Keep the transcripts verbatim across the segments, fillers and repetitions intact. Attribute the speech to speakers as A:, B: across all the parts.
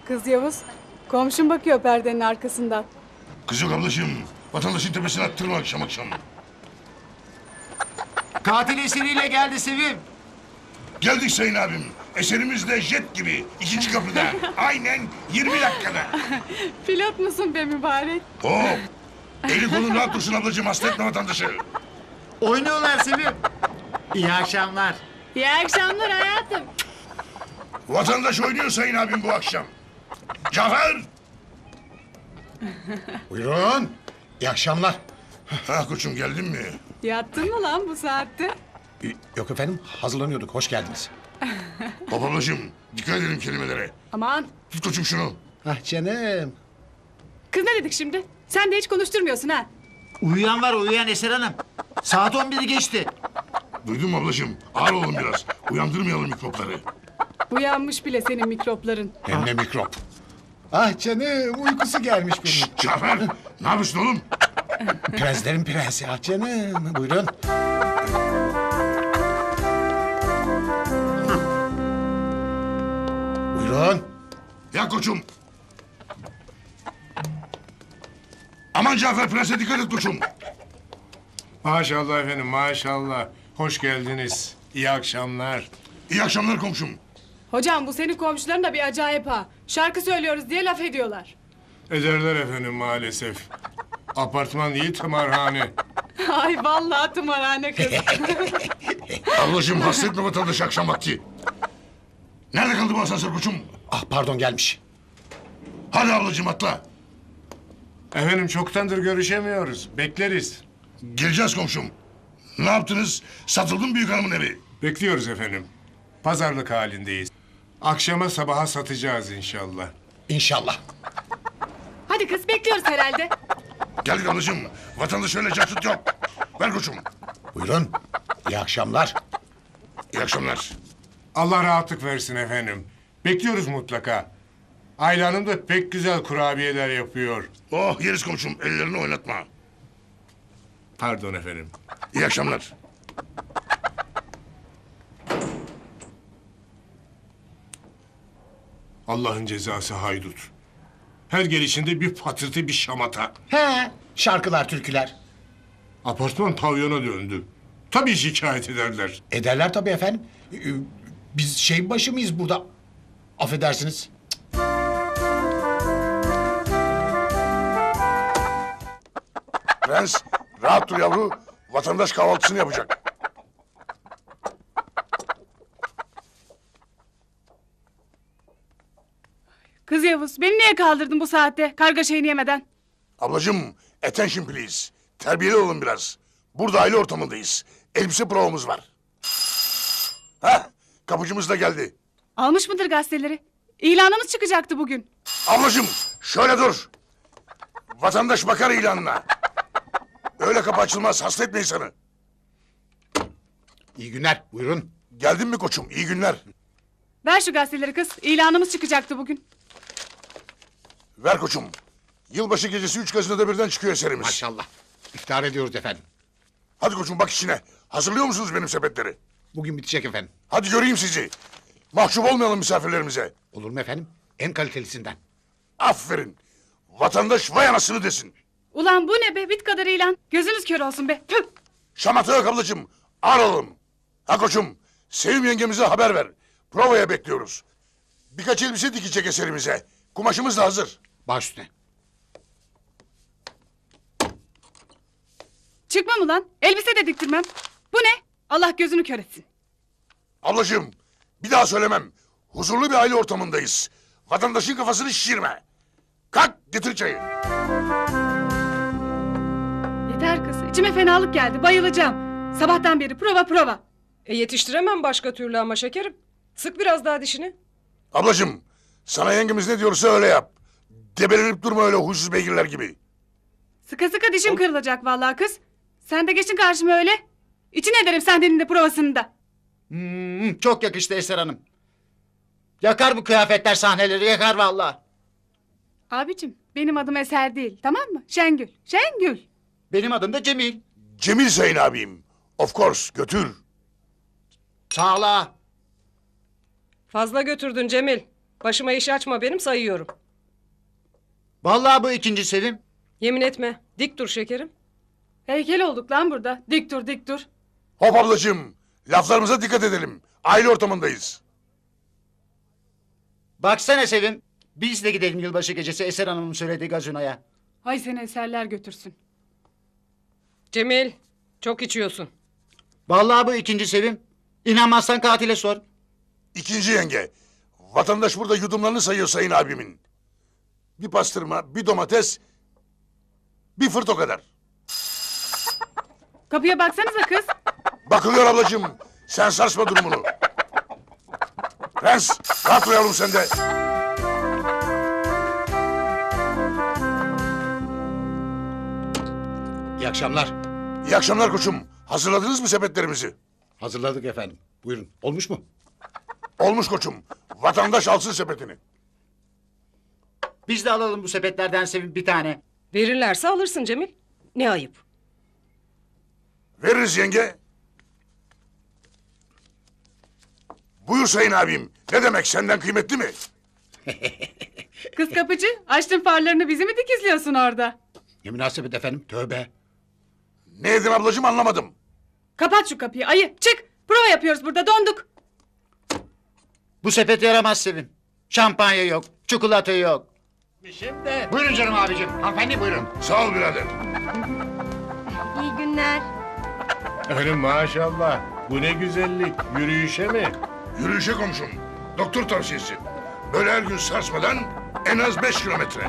A: Kız Yavuz, komşum bakıyor perdenin arkasından.
B: Kız yok ablacığım. Vatandaşın tepesine attırma akşam akşam.
C: Katil eseriyle geldi Sevim.
B: Geldik sayın abim. Eserimiz de jet gibi. İkinci kapıda. Aynen yirmi dakikada.
A: Pilot musun be mübarek?
B: Hop. Eli kolun rahat dursun ablacığım. Hasta etme vatandaşı.
C: Oynuyorlar Sevim. İyi akşamlar.
A: İyi akşamlar hayatım.
B: Vatandaş oynuyor sayın abim bu akşam. Cafer.
D: Buyurun. İyi akşamlar.
B: Ha koçum geldin mi?
A: Yattın mı lan bu saatte?
D: Ee, Yok efendim, hazırlanıyorduk. Hoş geldiniz.
B: Hop ablacığım. Dikkat edelim kelimelere.
A: Aman,
B: Tut koçum şunu.
D: Ah canım.
A: kız ne dedik şimdi? Sen de hiç konuşturmuyorsun ha.
C: Uyuyan var uyuyan Eser Hanım. Saat on biri geçti.
B: Duydun mu ablacığım? Ağır olun biraz. Uyandırmayalım mikropları.
A: Uyanmış bile senin mikropların.
D: Hem de mikrop. Ah canım, uykusu gelmiş benim.
B: Şşt Cafer. Ne yapıyorsun oğlum?
D: Prenslerin prensi. Ah canım. Buyurun. Buyurun.
B: Ya koçum. Aman Cafer prense dikkat et koçum.
E: Maşallah efendim, maşallah. Hoş geldiniz. İyi akşamlar.
B: İyi akşamlar komşum.
A: Hocam bu senin komşuların da bir acayip ha. Şarkı söylüyoruz diye laf ediyorlar.
E: Ederler efendim maalesef. Apartman değil, tımarhane.
A: Ay vallahi tımarhane kız.
B: Ablacığım hasta etme vatandaşı akşam vakti. Nerede kaldı bu asansör koçum?
D: Ah pardon, gelmiş.
B: Hadi ablacığım atla.
E: Efendim çoktandır görüşemiyoruz. Bekleriz.
B: Geleceğiz komşum. Ne yaptınız? Satıldı mı büyük hanımın evi?
E: Bekliyoruz efendim. Pazarlık halindeyiz. Akşama sabaha satacağız inşallah.
D: İnşallah.
A: Hadi kız bekliyoruz herhalde.
B: Geldik ablacığım. Vatandaş öyle caktut yok. Ver koçum.
D: Buyurun. İyi akşamlar.
B: İyi akşamlar.
E: Allah rahatlık versin efendim. Bekliyoruz mutlaka. Ayla Hanım da pek güzel kurabiyeler yapıyor.
B: Oh yeriz komşum. Ellerini oynatma.
E: Pardon efendim.
B: İyi akşamlar.
E: Allah'ın cezası haydut. Her gelişinde bir patırtı bir şamata.
D: He. Şarkılar, türküler.
E: Apartman pavyona döndü. Tabii şikayet ederler.
D: Ederler tabii efendim. Ee, Biz şey başı mıyız burada? Affedersiniz.
B: Prens rahat dur yavru. Vatandaş kahvaltısını yapacak.
A: Kız Yavuz beni niye kaldırdın bu saatte karga şeyini yemeden?
B: Ablacığım attention please. Terbiyeli olun biraz. Burada aile ortamındayız. Elbise provamız var. Hah kapıcımız da geldi.
A: Almış mıdır gazeteleri? İlanımız çıkacaktı bugün.
B: Ablacığım şöyle dur. Vatandaş bakar ilanına. Öyle kapı açılmaz hasta etme insanı.
D: İyi günler. Buyurun.
B: Geldin mi koçum iyi günler.
A: Ver şu gazeteleri kız. İlanımız çıkacaktı bugün.
B: Ver koçum. Yılbaşı gecesi üç gazetede birden çıkıyor eserimiz.
D: Maşallah. İftar ediyoruz efendim.
B: Hadi koçum bak işine. Hazırlıyor musunuz benim sepetleri?
D: Bugün bitecek efendim.
B: Hadi göreyim sizi. Mahcup olmayalım misafirlerimize.
D: Olur mu efendim? En kalitelisinden.
B: Aferin. Vatandaş vay anasını desin.
A: Ulan bu ne be bit kadar ilan. Gözünüz kör olsun be. Tüh.
B: Şamata yok ablacığım. Ağır olalım. Ha koçum. Sevim yengemize haber ver. Provaya bekliyoruz. Birkaç elbise dikecek eserimize. Kumaşımız da hazır.
D: Baş üstüne.
A: Çıkmam ulan. Elbise de diktirmem. Bu ne? Allah gözünü kör etsin.
B: Ablacığım bir daha söylemem. Huzurlu bir aile ortamındayız. Vatandaşın kafasını şişirme. Kalk getir çayı.
A: Yeter kız. İçime fenalık geldi. Bayılacağım. Sabahtan beri prova prova.
F: E yetiştiremem başka türlü ama şekerim. Sık biraz daha dişini.
B: Ablacığım sana yengemiz ne diyorsa öyle yap. Debelenip durma öyle huysuz beygirler gibi.
A: Sıkı sıkı dişim kırılacak vallahi kız. Sen de geçin karşıma öyle. İçin ederim senden de provasını da.
C: Hmm, çok yakıştı Eser Hanım. Yakar bu kıyafetler sahneleri yakar vallahi.
A: Abicim benim adım Eser değil tamam mı? Şengül. Şengül.
C: Benim adım da Cemil.
B: Cemil sayın abim. Of course götür.
C: Sağla.
F: Fazla götürdün Cemil. Başıma iş açma benim sayıyorum.
C: Vallahi bu ikinci Sevim.
F: Yemin etme. Dik dur şekerim.
A: Heykel olduk lan burada. Dik dur dik dur.
B: Hop ablacığım. Laflarımıza dikkat edelim. Aile ortamındayız.
C: Baksana Sevim. Biz de gidelim yılbaşı gecesi Eser Hanım'ın söylediği gazinoya.
A: Hay seni eserler götürsün.
F: Cemil çok içiyorsun.
C: Vallahi bu ikinci Sevim. İnanmazsan katile sor.
B: İkinci yenge. Vatandaş burada yudumlarını sayıyor sayın abimin. Bir pastırma, bir domates, bir fırt o kadar.
A: Kapıya baksanıza kız.
B: Bakılıyor ablacığım. Sen sarsma durumunu. Prens, rahat dur yavrum sen de.
D: İyi akşamlar.
B: İyi akşamlar koçum. Hazırladınız mı sepetlerimizi?
D: Hazırladık efendim. Buyurun. Olmuş mu?
B: Olmuş koçum. Vatandaş alsın sepetini.
C: Biz de alalım bu sepetlerden Sevim bir tane.
F: Verirlerse alırsın Cemil. Ne ayıp.
B: Veririz yenge. Buyur sayın abim. Ne demek senden kıymetli mi?
A: Kız kapıcı açtın farlarını bizi mi dikizliyorsun orada?
D: Ne münasebet efendim. Tövbe.
B: Ne edin ablacığım anlamadım.
A: Kapat şu kapıyı ayı çık. Prova yapıyoruz burada donduk.
C: Bu sepet yaramaz Sevim. Şampanya yok, çikolata yok.
D: Şimdi. Buyurun canım abicim. Hanımefendi buyurun.
B: Sağ ol birader.
G: İyi günler.
E: Efendim maşallah. Bu ne güzellik. Yürüyüşe mi?
B: Yürüyüşe komşum. Doktor tavsiyesi. Böyle her gün sarsmadan en az beş kilometre.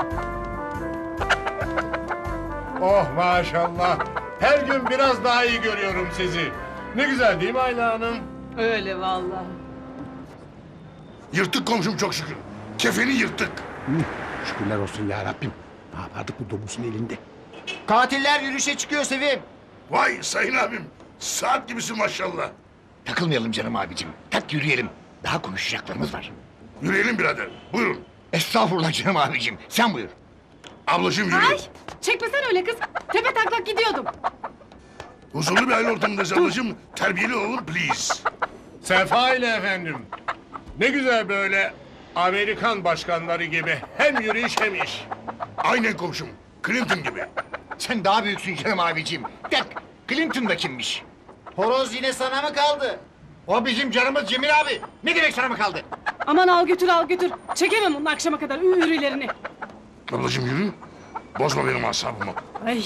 E: Oh maşallah. Her gün biraz daha iyi görüyorum sizi. Ne güzel değil mi Ayla Hanım?
A: Öyle vallahi.
B: Yırttık komşum çok şükür. Kefeni yırttık.
D: Şükürler olsun ya Rabbim. Ne yapardık bu domuzun elinde?
C: Katiller yürüyüşe çıkıyor Sevim.
B: Vay sayın abim. Saat gibisin maşallah.
H: Takılmayalım canım abicim. Tak yürüyelim. Daha konuşacaklarımız var.
B: Yürüyelim birader. Buyurun.
H: Estağfurullah canım abicim. Sen buyur.
B: Ablacığım yürü.
A: Ay çekmesen öyle kız. Tepe taklak gidiyordum.
B: Huzurlu bir aile ortamındayız ablacığım. Terbiyeli olun please.
E: Sefa ile efendim. Ne güzel böyle Amerikan başkanları gibi hem yürüyüş hem iş.
B: Aynen komşum. Clinton gibi.
H: Sen daha büyüksün canım abicim. Tak. Clinton da kimmiş?
C: Horoz yine sana mı kaldı?
H: O bizim canımız Cemil abi. Ne demek sana mı kaldı?
A: Aman al götür al götür. Çekemem onun akşama kadar ürülerini.
B: Ablacığım yürü. Bozma benim asabımı.
A: Ay.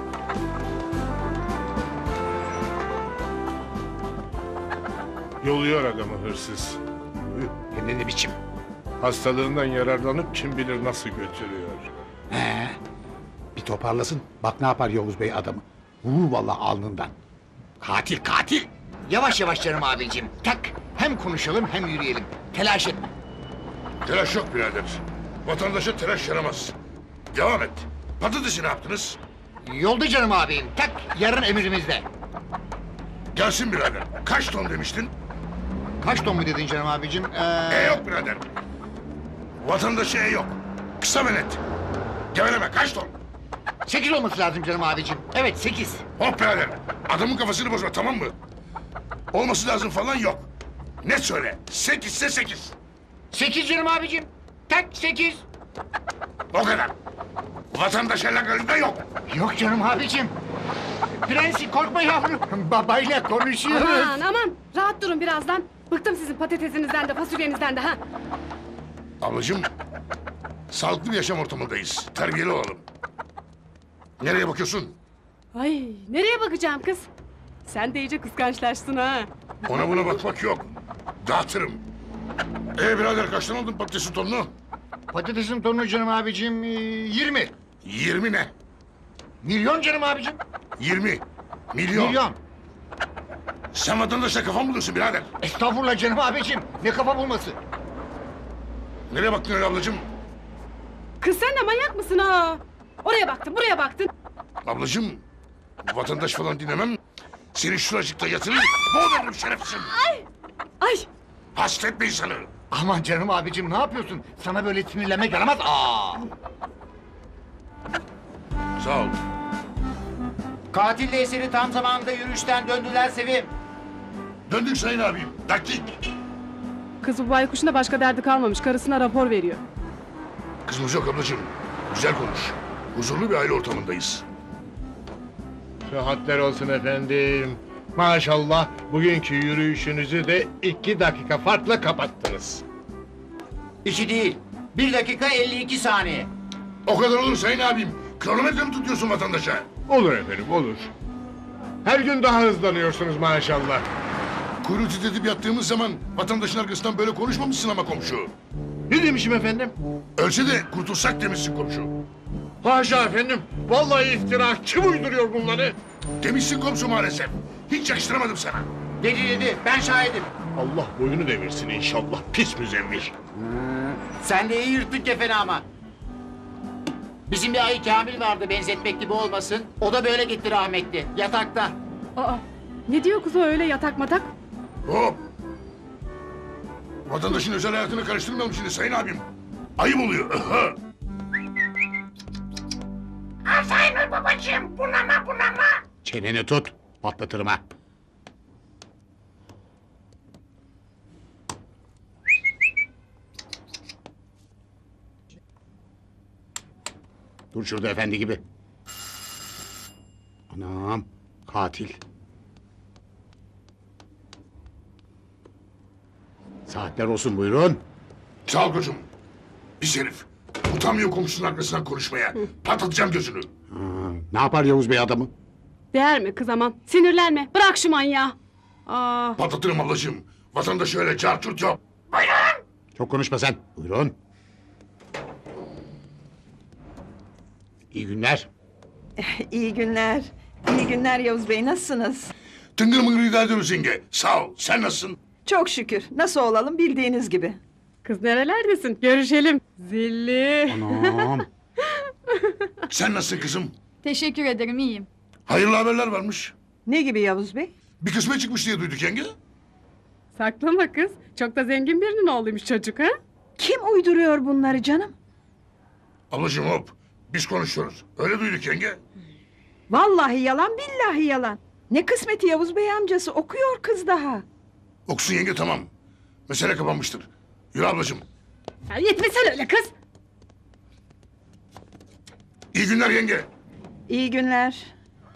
E: Yoluyor adamı hırsız.
H: Hem de ne biçim?
E: Hastalığından yararlanıp kim bilir nasıl götürüyor.
D: He. Bir toparlasın. Bak ne yapar Yavuz Bey adamı. Vurur vallahi alnından.
H: Katil katil. Yavaş yavaş canım abicim. Tak. Hem konuşalım hem yürüyelim. Telaş etme.
B: Telaş yok birader. Vatandaşa telaş yaramaz. Devam et. Patatesi ne yaptınız?
H: Yolda canım abim. Tak. Yarın emrimizde.
B: Gelsin birader. Kaç ton demiştin?
H: Kaç ton mu dedin canım abicim? Ee...
B: E yok birader. Vatandaşa e yok. Kısa ve net. Geveleme kaç ton?
H: Sekiz olması lazım canım abicim. Evet sekiz.
B: Hop birader. Adamın kafasını bozma tamam mı? Olması lazım falan yok. Net söyle. Sekizse sekiz.
H: Sekiz canım abicim. Tak sekiz.
B: O kadar. Vatandaş alakalı yok.
H: Yok canım abicim. Prensi korkma yavrum. Babayla konuşuyoruz.
A: Aman aman rahat durun birazdan. Bıktım sizin patatesinizden de fasulyenizden de ha.
B: Ablacığım. Sağlıklı bir yaşam ortamındayız. Terbiyeli olalım. Nereye bakıyorsun?
A: Ay nereye bakacağım kız? Sen de iyice kıskançlaştın ha.
B: Ona buna bakmak yok. Dağıtırım. Ee birader kaçtan aldın patatesin tonunu?
H: Patatesin tonu canım abicim ee, yirmi.
B: Yirmi ne?
H: Milyon canım abicim.
B: Yirmi. Milyon.
H: Milyon.
B: Sen vatandaşla kafa mı buluyorsun birader?
H: Estağfurullah canım abicim. Ne kafa bulması.
B: Nereye baktın öyle ablacığım?
A: Kız sen de manyak mısın ha? Oraya baktın buraya baktın.
B: Ablacığım. Vatandaş falan dinlemem. Seni şuracıkta yatırır. Boğulurum şerefsizim.
A: Ay
B: Hasretme insanı.
H: Aman canım abicim ne yapıyorsun? Sana böyle sinirlenmek yaramaz. Aa.
B: Sağ ol.
C: Katille Eser'i tam zamanında yürüyüşten döndüler Sevim.
B: Döndük sayın abim. Dakik.
A: Kız bu baykuşun da başka derdi kalmamış. Karısına rapor veriyor.
B: Kızımız yok ablacığım. Güzel konuş. Huzurlu bir aile ortamındayız.
E: Sıhhatler olsun efendim. Maşallah bugünkü yürüyüşünüzü de iki dakika farkla kapattınız.
C: İki değil. Bir dakika elli iki saniye.
B: O kadar olur sayın abim. Kronometre mi tutuyorsun vatandaşa?
E: Olur efendim olur. Her gün daha hızlanıyorsunuz maşallah.
B: Kuyruğu titretip yattığımız zaman vatandaşın arkasından böyle konuşmamışsın ama komşu.
E: Ne demişim efendim?
B: Ölse de kurtulsak demişsin komşu.
E: Haşa efendim. Vallahi iftira. Kim uyduruyor bunları?
B: Demişsin komşu maalesef. Hiç yakıştıramadım sana.
C: Dedi dedi ben şahidim.
E: Allah boyunu devirsin inşallah. Pis müzemmil.
C: Sen de iyi yırttın kefeni ama. Bizim bir ayı Kamil vardı benzetmek gibi olmasın. O da böyle gitti rahmetli. Yatakta.
A: Aa, ne diyor kız o öyle yatak matak?
B: Hop! Vatandaşın özel hayatını karıştırmayalım şimdi sayın abim. Ayıp oluyor.
D: Çeneni tut. Patlatırım ha. Dur şurada efendi gibi. Anam. Katil. Saatler olsun buyurun.
B: Sağ ol koçum. Pis herif. Utanmıyor komşunun arkasından konuşmaya. Patlatacağım gözünü.
D: Ha, ne yapar Yavuz Bey adamı?
A: Değer mi kız aman? Sinirlenme. Bırak şu manyağı. Aa,
B: Patlatırım ablacığım. Vatandaş öyle çarçurt yok.
D: Çok konuşma sen. Buyurun. İyi günler.
G: İyi günler. İyi günler Yavuz Bey, nasılsınız?
B: Tıngır mıngır idare ediyoruz yenge. Sağ ol. Sen nasılsın?
G: Çok şükür. Nasıl olalım bildiğiniz gibi.
A: kız nerelerdesin? Görüşelim. Zilli.
D: Anam.
B: Sen nasılsın kızım?
I: Teşekkür ederim, iyiyim.
B: Hayırlı haberler varmış.
G: Ne gibi Yavuz Bey?
B: Bir kısmet çıkmış diye duyduk yenge.
A: Saklama kız. Çok da zengin birinin oğluymuş çocuk ha?
G: Kim uyduruyor bunları canım?
B: Ablacığım hop. Biz konuşuyoruz. Öyle duyduk yenge.
G: Vallahi yalan billahi yalan. Ne kısmeti Yavuz Bey amcası, okuyor kız daha.
B: Okusun yenge tamam. Mesele kapanmıştır. Yürü ablacığım.
A: Ya yetmesen öyle kız.
B: İyi günler yenge.
G: İyi günler.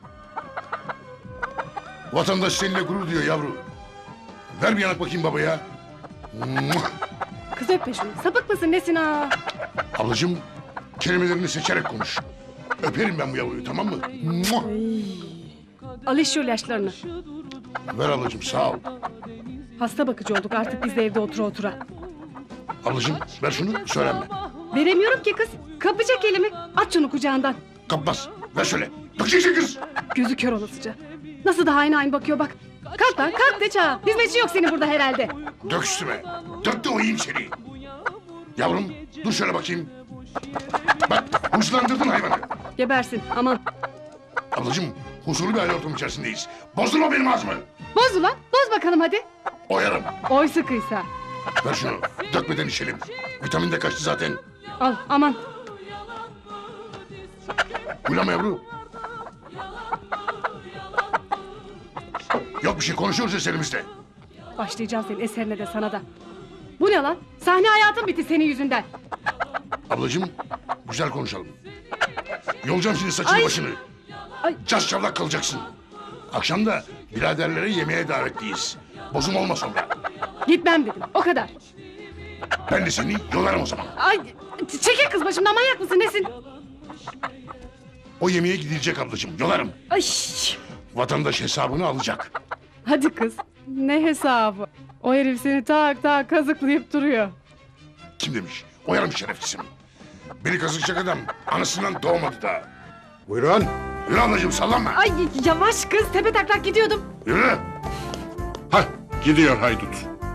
B: Vatandaş seninle gurur duyuyor yavru. Ver bir yanak bakayım babaya. Muah!
A: Kız öpme şunu. Sapık mısın nesin ha?
B: Ablacığım kelimelerini seçerek konuş. Öperim ben bu yavruyu tamam mı? Muah!
A: Al iş şu ilaçlarını.
B: Ver ablacığım sağ ol.
A: Hasta bakıcı olduk artık biz de evde otura otura.
B: Ablacığım ver şunu söylenme.
A: Veremiyorum ki kız. Kapacak elimi. At şunu kucağından.
B: Kapmaz. Ver şöyle. Bakışık kız.
A: Gözü kör olasıca. Nasıl da aynı aynı bakıyor bak. Kalk lan kalk de çağa. Hizmetçi yok senin burada herhalde.
B: Dök üstüme. Dök de oyayım seni. Yavrum dur şöyle bakayım. Bak hırslandırdın hayvanı.
A: Gebersin aman.
B: Ablacığım huzurlu bir aile ortamı içerisindeyiz. Bozdurma benim ağzımı.
A: Boz ulan. Boz bakalım hadi.
B: Oyarım.
A: Oy sıkıysa.
B: Ver şunu. Dökmeden içelim. Vitamin de kaçtı zaten.
A: Al aman.
B: Uylama yavru. Yok bir şey konuşuyoruz eserimizde.
A: Başlayacağım senin eserine de sana da. Bu ne lan? Sahne hayatın bitti senin yüzünden.
B: Ablacığım güzel konuşalım. Yolacağım şimdi saçını
A: Ay.
B: başını.
A: Ay.
B: Cas çavlak kalacaksın. Akşam da biraderlere yemeğe davetliyiz. Bozum olma sonra.
A: Gitmem dedim o kadar.
B: Ben de seni yolarım o zaman.
A: Ay çekil kız başımdan manyak mısın nesin?
B: O yemeğe gidilecek ablacığım yolarım.
A: Ay.
B: Vatandaş hesabını alacak.
A: Hadi kız. Ne hesabı? O herif seni tak tak kazıklayıp duruyor.
B: Kim demiş? Oyarım şerefsizim. Beni kazıkacak adam anasından doğmadı da.
D: Buyurun.
B: Yürü ablacığım sallanma.
A: Ay yavaş kız tepe taklak gidiyordum.
B: Yürü.
E: Hah gidiyor haydut.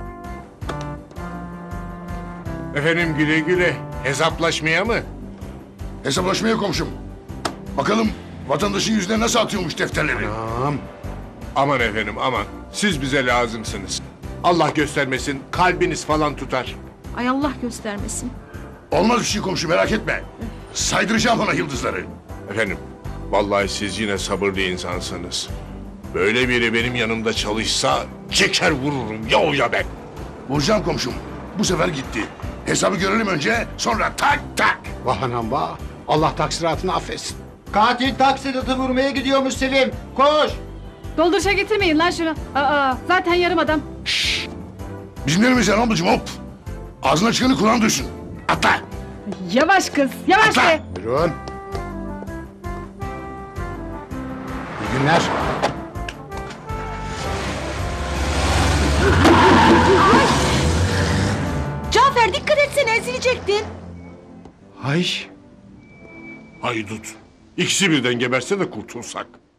E: Efendim güle güle. Hesaplaşmaya mı?
B: Hesaplaşmaya komşum. Bakalım vatandaşın yüzüne nasıl atıyormuş defterleri.
D: Anam.
E: Aman efendim aman. Siz bize lazımsınız. Allah göstermesin kalbiniz falan tutar.
I: Ay Allah göstermesin.
B: Olmaz bir şey komşu merak etme. Saydıracağım ona yıldızları.
E: Efendim vallahi siz yine sabırlı insansınız. Böyle biri benim yanımda çalışsa çeker vururum ya o ya ben.
B: Vuracağım komşum. Bu sefer gitti. Hesabı görelim önce, sonra tak tak.
D: Vah anam vah. Allah taksiratını affetsin.
C: Katil taksidatı vurmaya gidiyormuş Sevim. Koş.
A: Dolduruşa getirmeyin lan şunu. Aa, zaten yarım adam.
B: Bizim neremiz yani ablacığım hop. Ağzına çıkanı kulağın duysun. Atla.
A: Yavaş kız, yavaş
B: Atla.
A: be.
D: Buyurun. İyi günler.
G: Cafer dikkat etsene ezilecektin.
D: Ay.
J: Haydut. İkisi birden geberse de kurtulsak.